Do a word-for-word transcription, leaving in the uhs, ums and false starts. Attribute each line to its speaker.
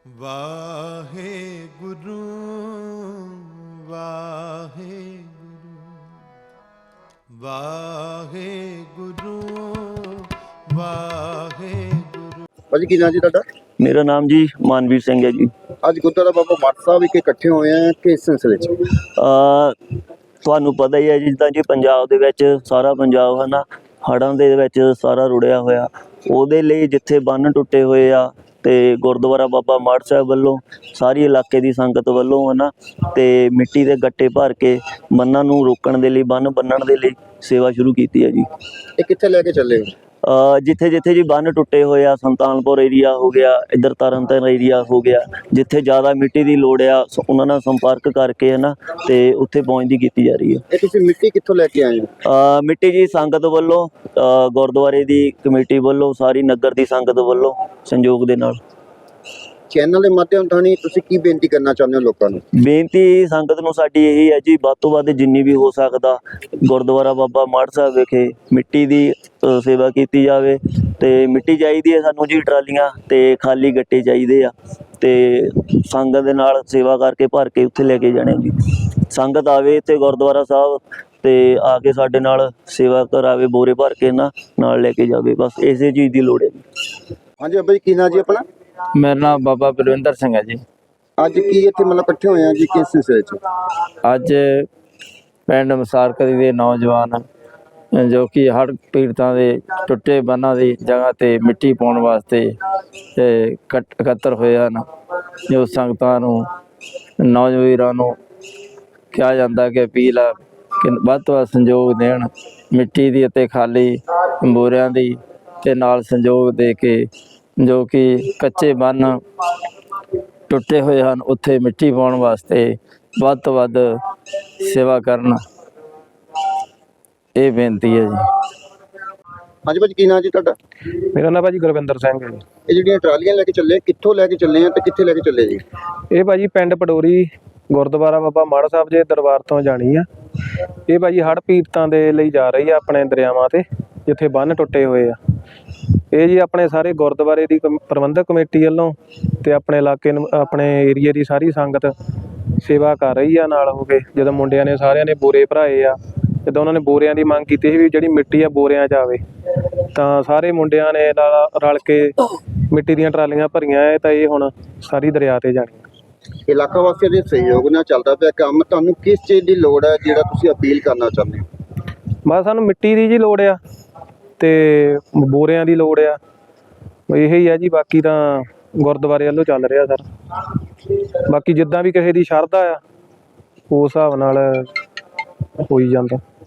Speaker 1: ਵਾਹਿਗੁਰੂ ਵਾਹਿਗੁਰੂ ਵਾਹਿਗੁਰੂ ਵਾਹਿਗੁਰੂ।
Speaker 2: ਭਾਜੀ ਕੀ ਨਾਂ ਜੀ ਤੁਹਾਡਾ?
Speaker 3: ਮੇਰਾ ਨਾਮ ਜੀ ਮਾਨਵੀਰ ਸਿੰਘ ਹੈ ਜੀ।
Speaker 2: ਅੱਜ ਗੁਰਦੁਆਰਾ ਬਾਬਾ ਮੱਠ ਸਾਹਿਬ ਵਿਖੇ ਇਕੱਠੇ ਹੋਏ ਆ ਕਿਸ ਸਿਲਸਿਲੇ 'ਚ?
Speaker 3: ਅ ਤੁਹਾਨੂੰ ਪਤਾ ਹੀ ਹੈ ਜੀ, ਜਿੱਦਾਂ ਜੀ ਪੰਜਾਬ ਦੇ ਵਿੱਚ ਸਾਰਾ ਪੰਜਾਬ ਹੈ ਨਾ ਹੜ੍ਹਾਂ ਦੇ ਵਿੱਚ ਸਾਰਾ ਰੁੜਿਆ ਹੋਇਆ। ਉਹਦੇ ਲਈ ਜਿੱਥੇ ਬੰਨ ਟੁੱਟੇ ਹੋਏ ਆ ਤੇ ਗੁਰਦੁਆਰਾ ਬਾਬਾ ਮੱਠ ਸਾਹਿਬ ਵੱਲੋਂ ਸਾਰੀ ਇਲਾਕੇ ਦੀ ਸੰਗਤ ਵੱਲੋਂ ਹੈ ਨਾ ਤੇ ਮਿੱਟੀ ਦੇ ਗੱਟੇ ਭਰ ਕੇ ਬੰਨਾਂ ਨੂੰ ਰੋਕਣ ਦੇ ਲਈ, ਬੰਨ ਬੰਨਣ ਦੇ ਲਈ ਸੇਵਾ ਸ਼ੁਰੂ ਕੀਤੀ ਹੈ ਜੀ।
Speaker 2: ਇਹ ਕਿੱਥੇ ਲੈ ਕੇ ਚੱਲੇ ਹੋ?
Speaker 3: ਅ ਜਿੱਥੇ ਜਿੱਥੇ ਜੀ ਬੰਨ ਟੁੱਟੇ ਹੋਏ ਆ, ਸੁਲਤਾਨਪੁਰ ਏਰੀਆ ਹੋ ਗਿਆ, ਇੱਧਰ ਤਰਨਤਾਰਨ ਏਰੀਆ ਹੋ ਗਿਆ, ਜਿੱਥੇ ਜ਼ਿਆਦਾ ਮਿੱਟੀ ਦੀ ਲੋੜ ਆ ਉਹਨਾਂ ਨਾਲ ਸੰਪਰਕ ਕਰਕੇ ਹੈ ਨਾ ਤੇ ਉੱਥੇ ਪਹੁੰਚਦੀ ਕੀਤੀ ਜਾ ਰਹੀ ਹੈ।
Speaker 2: ਇਹ ਤੁਸੀਂ ਮਿੱਟੀ ਕਿੱਥੋਂ ਲੈ ਕੇ ਆਏ ਹੋ?
Speaker 3: ਅ ਮਿੱਟੀ ਜੀ ਸੰਗਤ ਵੱਲੋਂ, ਅ ਗੁਰਦੁਆਰੇ ਦੀ ਕਮੇਟੀ ਵੱਲੋਂ, ਸਾਰੀ ਨਗਰ ਦੀ ਸੰਗਤ ਵੱਲੋਂ ਸੰਯੋਗ ਦੇ ਨਾਲ।
Speaker 2: ਚੈਨਲ ਦੇ ਮਾਧਿਅਮ ਰਾਹੀਂ ਤੁਸੀਂ ਕੀ ਬੇਨਤੀ ਕਰਨਾ ਚਾਹੁੰਦੇ ਹੋ ਲੋਕਾਂ ਨੂੰ?
Speaker 3: ਬੇਨਤੀ ਸੰਗਤ ਨੂੰ ਸਾਡੀ ਇਹੀ ਹੈ ਜੀ, ਵੱਧ ਤੋਂ ਵੱਧ ਜਿੰਨੀ ਵੀ ਹੋ ਸਕਦਾ ਗੁਰਦੁਆਰਾ ਬਾਬਾ ਮੱਠ ਸਾਹਿਬ ਵਿਖੇ ਮਿੱਟੀ ਦੀ ਅ, ਸੇਵਾ ਕੀਤੀ ਜਾਵੇ। ਤੇ ਮਿੱਟੀ ਚਾਹੀਦੀ ਹੈ ਸਾਨੂੰ ਜੀ, ਟਰਾਲੀਆਂ ਤੇ ਖਾਲੀ ਗੱਟੇ ਚਾਹੀਦੇ ਆ ਤੇ ਸੰਗਤ ਦੇ ਨਾਲ ਸੇਵਾ ਕਰਕੇ ਭਰ ਕੇ ਉੱਥੇ ਲੈ ਕੇ ਜਾਣੇ ਜੀ। ਸੰਗਤ ਆਵੇ ਇੱਥੇ ਗੁਰਦੁਆਰਾ ਸਾਹਿਬ ਤੇ ਆ ਕੇ ਸਾਡੇ ਨਾਲ ਸੇਵਾ ਕਰਾਵੇ, ਬੋਰੇ ਭਰ ਕੇ ਨਾ ਨਾਲ ਲੈ ਕੇ ਜਾਵੇ, ਬਸ ਇਸੇ ਚੀਜ਼ ਦੀ ਲੋੜ ਹੈ ਜੀ।
Speaker 2: ਹਾਂਜੀ ਬਾਬਾ ਜੀ ਕੀ ਨਾਂ ਜੀ ਆਪਣਾ?
Speaker 4: ਮੇਰਾ ਨਾਮ ਬਾਬਾ ਬਲਵਿੰਦਰ ਸਿੰਘ ਹੈ ਜੀ।
Speaker 2: ਅੱਜ ਕੀ ਇੱਥੇ ਮਤਲਬ ਇਕੱਠੇ ਹੋਏ ਆ ਜੀ ਕਿਸ ਸਿਲਸਿਲੇ 'ਚ?
Speaker 4: ਅੱਜ ਪਿੰਡ ਮਸਾਰਕਲੀ ਦੇ ਨੌਜਵਾਨ ਜੋ ਕਿ ਹੜ੍ਹ ਪੀੜਤਾਂ ਦੇ ਟੁੱਟੇ ਬੰਨਾਂ ਦੀ ਜਗ੍ਹਾ ਤੇ ਮਿੱਟੀ ਪਾਉਣ ਵਾਸਤੇ ਤੇ ਇਕੱਠ- ਇਕੱਤਰ ਹੋਏ ਹਨ। ਜੋ ਸੰਗਤਾਂ ਨੂੰ, ਨੌਜਵਾਨਾਂ ਨੂੰ ਕਿਹਾ ਜਾਂਦਾ ਕਿ ਅਪੀਲ ਆ ਕਿ ਵੱਧ ਤੋਂ ਵੱਧ ਸੰਯੋਗ ਦੇਣ, ਮਿੱਟੀ ਦੀ ਅਤੇ ਖਾਲੀ ਬੋਰਿਆਂ ਦੀ ਤੇ ਨਾਲ ਸੰਯੋਗ ਦੇ ਕੇ ਜੋ ਕਿ ਕੱਚੇ ਬੰਨ ਟੁੱਟੇ ਹੋਏ ਹਨ ਉੱਥੇ ਮਿੱਟੀ ਪਾਉਣ ਵਾਸਤੇ ਵੱਧ ਤੋਂ ਵੱਧ ਸੇਵਾ ਕਰਨ, ਇਹ ਬੇਨਤੀ ਹੈ ਜੀ।
Speaker 2: ਹਾਂਜੀ ਭਾਜੀ ਕੀ ਨਾਂ ਜੀ ਤੁਹਾਡਾ?
Speaker 5: ਮੇਰਾ ਨਾਮ ਭਾਜੀ ਗੁਰਵਿੰਦਰ ਸਿੰਘ ਹੈ ਜੀ।
Speaker 2: ਇਹ ਜਿਹੜੀਆਂ ਟਰਾਲੀਆਂ ਲੈ ਕੇ ਚੱਲੇ ਕਿੱਥੋਂ ਲੈ ਕੇ ਚੱਲੇ ਆ ਤੇ ਕਿੱਥੇ ਲੈ ਕੇ ਚੱਲੇ ਜੀ?
Speaker 5: ਇਹ ਭਾਜੀ ਪਿੰਡ ਪਡੋਰੀ ਗੁਰਦੁਆਰਾ ਬਾਬਾ ਮੱਠ ਸਾਹਿਬ ਦੇ ਦਰਬਾਰ ਤੋਂ ਜਾਣੀ ਆ। ਇਹ ਭਾਜੀ ਹੜ੍ਹ ਪੀੜਤਾਂ ਦੇ ਲਈ ਜਾ ਰਹੀ ਆ, ਆਪਣੇ ਦਰਿਆਵਾਂ ਤੇ ਜਿੱਥੇ ਬੰਨ ਟੁੱਟੇ ਹੋਏ ਆ। ਇਹ ਜੀ ਆਪਣੇ ਸਾਰੇ ਗੁਰਦੁਆਰੇ ਦੀ ਕਮ- ਪ੍ਰਬੰਧਕ ਕਮੇਟੀ ਵੱਲੋਂ ਤੇ ਆਪਣੇ ਇਲਾਕੇ ਨੂੰ, ਆਪਣੇ ਏਰੀਏ ਦੀ ਸਾਰੀ ਸੰਗਤ ਸੇਵਾ ਕਰ ਰਹੀ ਆ ਨਾਲ ਹੋ ਕੇ। ਜਦੋਂ ਮੁੰਡਿਆਂ ਨੇ ਸਾਰਿਆਂ ਨੇ ਬੋਰੇ ਭਰਾਏ ਆ, ਜਦੋਂ ਉਹਨਾਂ ਨੇ ਬੋਰਿਆਂ ਦੀ ਮੰਗ ਕੀਤੀ ਸੀ ਵੀ ਜਿਹੜੀ ਮਿੱਟੀ ਆ ਬੋਰਿਆਂ 'ਚ ਆਵੇ, ਤਾਂ ਸਾਰੇ ਮੁੰਡਿਆਂ ਨੇ ਨਾਲ ਰਲ ਕੇ ਮਿੱਟੀ ਦੀਆਂ ਟਰਾਲੀਆਂ ਭਰੀਆਂ ਹੈ ਤਾਂ ਇਹ ਹੁਣ ਸਾਰੀ ਦਰਿਆ ਤੇ ਜਾਣੀ।
Speaker 2: ਇਲਾਕਾ ਵਾਸੀਆਂ ਦੇ ਸਹਿਯੋਗ ਨਾਲ ਚੱਲਦਾ ਪਿਆ ਕੰਮ। ਤੁਹਾਨੂੰ ਕਿਸ ਚੀਜ਼ ਦੀ ਲੋੜ ਹੈ ਜਿਹੜਾ ਤੁਸੀਂ ਅਪੀਲ ਕਰਨਾ ਚਾਹੁੰਦੇ ਹੋ?
Speaker 5: ਬਸ ਸਾਨੂੰ ਮਿੱਟੀ ਦੀ ਜੀ ਲੋੜ ਆ ਤੇ ਬੋਰਿਆਂ ਦੀ ਲੋੜ ਆ, ਇਹੀ ਹੀ ਆ ਜੀ। ਬਾਕੀ ਤਾਂ ਗੁਰਦੁਆਰੇ ਵੱਲੋਂ ਚੱਲ ਰਿਹਾ ਸਰ। ਬਾਕੀ ਜਿੱਦਾਂ ਵੀ ਕਿਸੇ ਦੀ ਸ਼ਰਧਾ ਆ ਉਸ ਹਿਸਾਬ ਨਾਲ ਹੋਈ ਜਾਂਦਾ।